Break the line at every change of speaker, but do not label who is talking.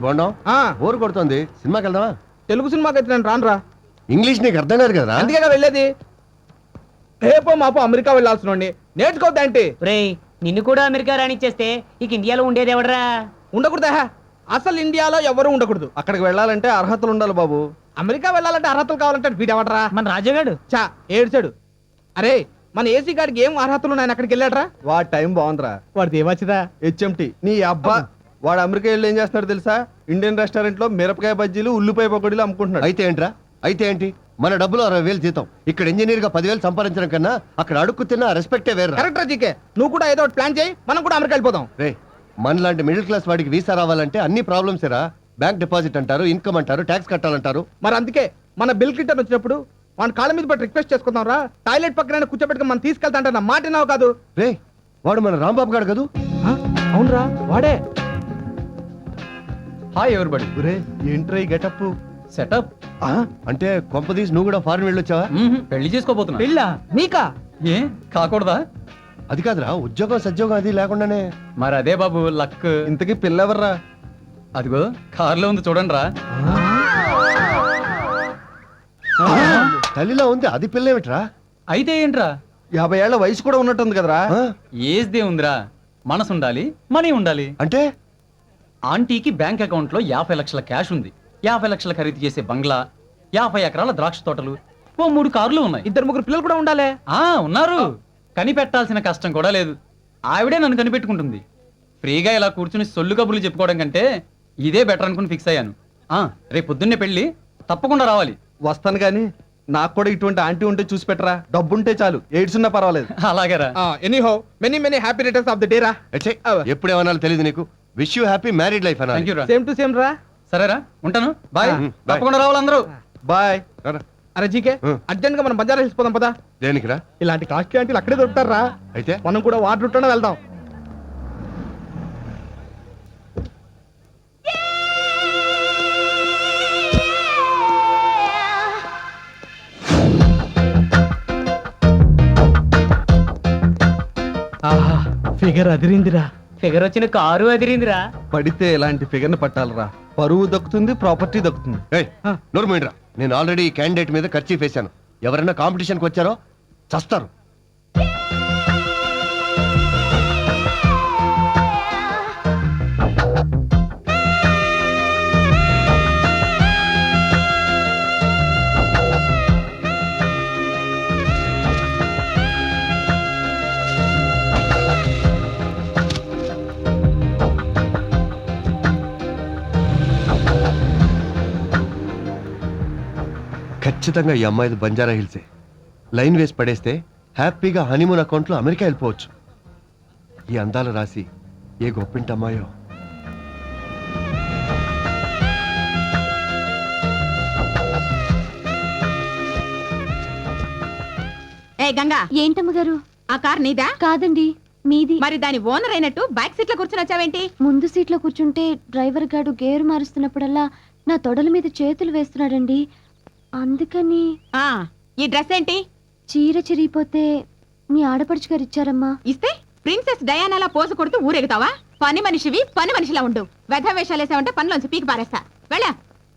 బాగున్నాం. బోర్ కొడుతుంది, సినిమాకి వెళ్దామా?
తెలుగు సినిమాకి అయితే నేను రానురా.
ఇంగ్లీష్ నీకు అర్థం కాదు కదా?
అందుకే వెళ్ళేది. రేపో మాపో అమెరికా వెళ్ళాల్సిన నేర్చుకోవద్దేంటి?
రేయ్, నిన్ను కూడా అమెరికా రానిచ్చేస్తే ఇక ఇండియాలో ఉండేది ఎవడరా?
ఉండకూడదా? అసలు ఇండియాలో ఎవరు ఉండకూడదు.
అక్కడికి వెళ్ళాలంటే అర్హతలు ఉండాలి బాబు.
అమెరికా వెళ్ళాలంటే అర్హతలు కావాలంటే వీడెవడరా?
మన రాజాగాడు.
చా ఏడ్చాడు. అరే మన ఏసీ గాడికి ఏం అర్హతలు ఉన్నాయని అక్కడికి వెళ్ళాడరా?
వాడి టైం బాగుందిరా.
వాడిది ఏమొచ్చిదా?
హెచ్ఎంటి నీ అబ్బా. వాడు అమెరికా వెళ్ళి ఏం చేస్తున్నాడు తెలుసా? ఇండియన్ రెస్టారెంట్ లో మిరపకాయ బజ్జీలు ఉల్లిపాయ పకోడీలు అమ్ముకుంటున్నాడు.
అయితే ఏంట్రా? అయితే ఏంటి? మన డబ్బులు 60,000 జీతం, ఇక్కడ ఇంజనీర్ గా 10,000 సంపాదించడం కన్నా అక్కడ అడుక్కు తిన్న రెస్పెక్టే వేరు.
కరెక్ట్ జీకే, నువ్వు కూడా ఏదో ఒకటి ప్లాన్ చేయి, మనం కూడా అమెరికా వెళ్ళిపోదాం.
రే, మనలాంటి మిడిల్ క్లాస్ వాడికి వీసా రావాలంటే అన్ని ప్రాబ్లమ్స్ రా. బ్యాంక్ డిపాజిట్ అంటారు, ఇన్కమ్ అంటారు, ట్యాక్స్ కట్టాలంటారు.
మరి అందుకే మన బిల్ క్లింటన్ వచ్చినప్పుడు వాడి కాళ్ళ మీద పట్టి రిక్వెస్ట్ చేసుకుందాం రా. టాయిలెట్ పక్కన కూర్చోబెట్టుకుని మనం తీసుకెళ్తా అంటే నా మాట నావు కాదు.
రే, వాడు మన రాంబాబు గాడు కదూ?
అవునరా వాడే.
Hi everybody. ఒరే ఏంట్రా ఈ గెటప్
సెటప్
అంటే కొంపదీసి నువ్వు కూడా ఫారెన్ వెళ్ళొచ్చావా?
పెళ్లి చేసుకోబోతున్నా.
పెళ్ళా? నీకా?
ఏ కాకూడదా?
అది కాదురా, ఉద్యోగం సద్యోగం అది లేకుండానే.
మరి అదే బాబు లక్.
ఇంతకీ పిల్లెవర్రా?
అదిగో కార్లో ఉంది చూడండి రా.
తల్లిలో ఉంది, అది పిల్ల ఏమిట్రా?
అయితే ఏంట్రా?
50 ఏళ్ల వయసు కూడా ఉన్నట్టుంది కదరా.
ఏజ్ దే ఉందిరా, మనసు ఉండాలి, మనీ ఉండాలి.
అంటే
ఆంటీకి బ్యాంక్ అకౌంట్ లో 50 లక్షల క్యాష్ ఉంది, 50 లక్షల ఖరీదు చేసే బంగ్లా, 50 ఎకరాల ద్రాక్ష తోటలు, ఓ 3 కార్లు ఉన్నాయి.
2-3 పిల్లలు కూడా ఉండాలి.
ఉన్నారు. కనిపెట్టాల్సిన కష్టం కూడా లేదు. ఆవిడే నన్ను కనిపెట్టుకుంటుంది. ఫ్రీగా ఇలా కూర్చుని సొల్లు కబుర్లు చెప్పుకోవడం కంటే ఇదే బెటర్ అనుకుని ఫిక్స్ అయ్యాను. రేపు పొద్దున్నే పెళ్లి, తప్పకుండా రావాలి.
వస్తాను గాని నాకు కూడా ఇటువంటి ఆంటీ ఉంటే చూసి పెట్టరా. డబ్బుంటే చాలు, ఎయిడ్స్ ఉన్నా పర్వాలేదు.
అలాగేరా.
Anyhow many happy returns of the day రా.
ఎప్పుడు ఏమన్నా తెలియదు నీకు. Wish you happy married life అన్నా.
థ్యాంక్ యూ రా.
సేమ్ టు సేమ్ రా.
సరేరా, ఉంటాను. బాయ్.
bye.
తప్పకుండా రావాలి అందరూ.
బాయ్.
అరే జీకే, అర్జెంట్ గా మనం బజార్ వెళ్ళిపోదాం పదా.
దేనికిరా?
ఇలాంటి కాస్ట్లీ ఆంటీలు అక్కడే దొరుకుతారా?
అయితే
మనం కూడా వాటర్ రూట్లోనే వెళ్దాం. ఆహా, ఫిగర్ అదిరిందిరా.
ఫిగర్ వచ్చిన కారు అదిరిందిరా.
పడితే ఇలాంటి ఫిగర్ ని పట్టాలరా. పరువు దక్కుతుంది, ప్రాపర్టీ దక్కుతుంది.
నోరు మీండ్రా. నేను ఆల్రెడీ ఈ క్యాండిడేట్ మీద ఖర్చు వేశాను. ఎవరైనా కాంపిటీషన్కి వచ్చారో చస్తారు. ఖచ్చితంగా ఈ అమ్మాయిది బంజారా హిల్సే. లైన్ వేసి పడేస్తే హ్యాపీగా హనీమూన్ అకౌంట్లో అమెరికా వెళ్ళిపోవచ్చు. ఈ అందాల రాసి ఏ గొప్పింటి అమ్మాయో.
ఏ గంగా,
ఏంటమ్మ గారు?
ఆ కార్ నీదా?
కాదండి, మీది.
మరి దాని ఓనర్ అయినట్టు బ్యాక్ సీట్ లో కూర్చుని వచ్చావేంటి?
ముందు సీట్లో కూర్చుంటే డ్రైవర్ గారు గేరు మారుస్తున్నప్పుడల్లా నా తొడల మీద చేతులు వేస్తున్నాడండి. అందుకని.
ఈ డ్రెస్ ఏంటి?
చీర చిరిగిపోతే మీ ఆడపడుచు గారు ఇచ్చారమ్మా.
ఇస్తే ప్రిన్సెస్ డయానాలా పోజు కొడుతూ ఊరెగుతావా? పని మనిషివి, పని మనిషిలా ఉండు. వెధ వేషాలేసావంటే పనిలోంచి పీకి పారేస్తా. వెళ్ళా.